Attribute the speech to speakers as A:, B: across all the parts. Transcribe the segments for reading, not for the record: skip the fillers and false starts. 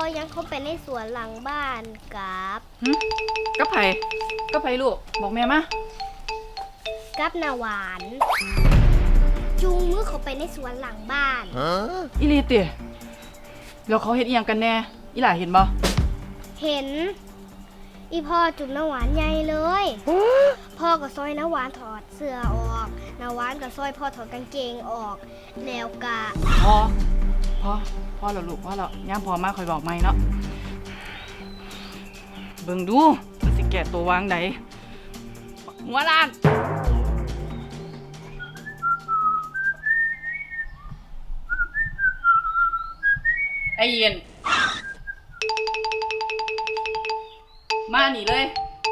A: ยังเข้าไปในสวนหลังบ้านกับ
B: กับไผกับไผลูกบอกแม่มา
A: กับนาหวาน จูงมือเขาไปในสวนหลังบ้าน
B: อีหลีติแล้วเขาเฮ็ดอีหยังกันแน่อีหล่าเห็นบ่
A: เห็น อีพ่อจุ่มนาหวานใหญ่เลย พ่อก็ซอยนาหวานถอดเสื้อออกนาหวานก็ซอยพ่อถอดกางเกงออกแล้วก็
B: พอแล้วลูกพอแล้วย่ามพอมาคอยบอกใหม่เนาะเบิ่งดูมันสิแก่ตัววางใดหัวล้านไอ้เย็นมาหนีเลย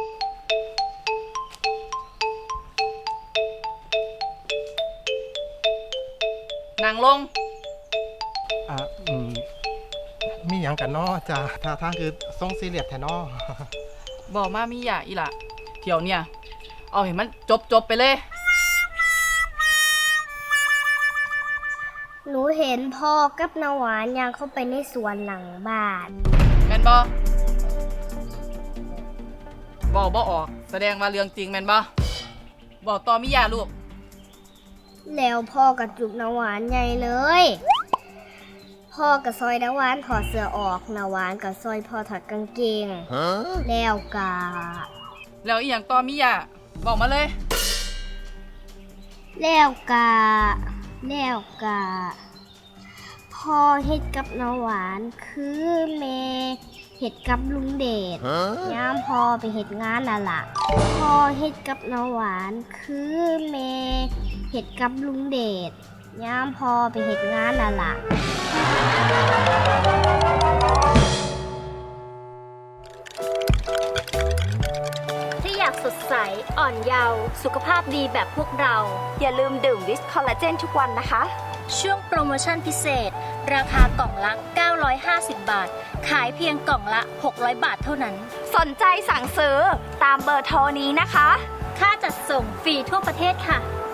B: นั่งลง
C: อ่ะมีหยังกันเนาะจ้าท่าทางคือทรงซีเรียสแท้เนาะ
B: บอกมามีอย่าอีหละเที่ยวเนี่ยเอาเห็นมันจบไปเลย
A: หนูเห็นพ่อกับนาหวานย่างเข้าไปในสวนหลังบ้าน
B: แมนบอบอกออกแสดงว่าเรื่องจริงแมนบอบอกต่อมีอย่าลูก
A: แล้วพ่อกับจุบนาหวานใหญ่เลย พ่อกับซอยนาหวานถอดเสื้อออกนาหวานกับซอยพ่อถอดกางเกงแล้วกะ
B: แล้วอีหยังต่อมีอย่าบอกมาเลย
A: แล้วกะพ่อเฮ็ดกับนาหวานคือแม่เฮ็ดกับลุงเดชยามพ่อไปเฮ็ดงานน่ะล่ะพ่อเฮ็ดกับนาหวานคือแม่เฮ็ดกับลุงเดชยามพ่อไปเฮ็ดงานน่ะล่ะ
D: ถ้าอยากสดใสอ่อนเยาว์สุขภาพดีแบบพวกเรา อย่าลืมดื่มวิสคอลลาเจนทุกวันนะคะ ช่วงโปรโมชั่นพิเศษ ราคากล่องละ 950 บาท ขายเพียงกล่องละ 600 บาทเท่านั้น สนใจสั่งซื้อตามเบอร์โทรนี้นะคะ ค่าจัดส่งฟรีทั่วประเทศค่ะ